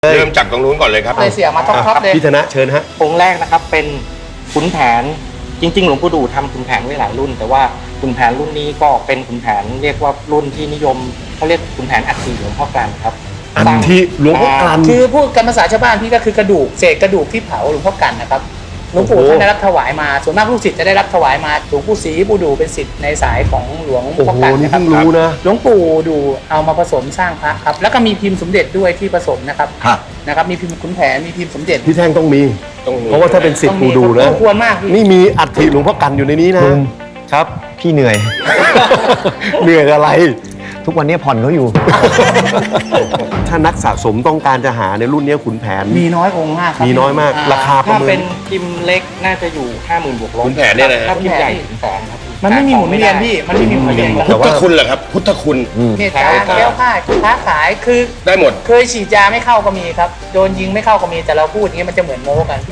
เริ่มจากตรงนู้นก่อนเลยครับเลยเสียมาท็อปๆเลยพี่ธนะเชิญฮะองค์แรกนะครับเป็นขุนแผนจริงๆหลวงปู่ดูทำขุนแผนไว้หลายรุ่น แต่ว่าขุนแผนรุ่นนี้ก็เป็นขุนแผนเรียกว่ารุ่นที่นิยมเขาเรียกขุนแผนอัฐิหลวงพ่อกลั่นครับอัฐิหลวงพ่อกลั่นคือพูดกันภาษาชาวบ้านพี่ก็คือกระดูกเศษกระดูกที่เผาหลวงพ่อกันนะครับหลวงปู่โอ้โหท่านได้รับถวายมาส่วนมากลูกศิษย์จะได้รับถวายมาหลวงปู่ศรีปู่ดูเป็นศิษย์ในสายของหลวงโอ้พ่อโหกันนี่นะครับเพิ่งรู้นะหลวงปู่ดูเอามาผสมสร้างพระครับแล้วก็มีพิมพ์สมเด็จด้วยที่ผสมนะครับครับนะครับมีพิมพ์ขุนแผนมีพิมพ์สมเด็จพี่แท่งต้องมีต้องมีเพราะว่าถ้าเป็นศิษย์ปูดูนะควรมากพี่นี่มีอัฐิหลวงพ่อกันอยู่ในนี้นะลุงครับพี่เหนื่อยเหนื่อยอะไรทุกวันนี้ผ่อนเขาอยู่ถ้านักสะสมต้องการจะหาในรุ่นนี้ขุนแผนมีน้อยองค์มากครับมีน้อยมากราคา ประถ้าเมินเป็นพิมพ์เล็กน่าจะอยู่ 50,000 บวกลบขุนแผนเนี่ยนะถ้าพิมพ์ใหญ่ถึงแสนครับมันไม่มีหมุนเวียนพี่มันไม่มีหมุนเวียนแต่พุทว่าธคุณเหรอครับ พุทธคุณเหตุการณ์แก้วค่ายค้าขายคือได้หมดเคยฉีดยาไม่เข้าก็มีครับโดนยิงไม่เข้าก็มีแต่เราพูดอย่างนี้มันจะเหมือนโม้กัน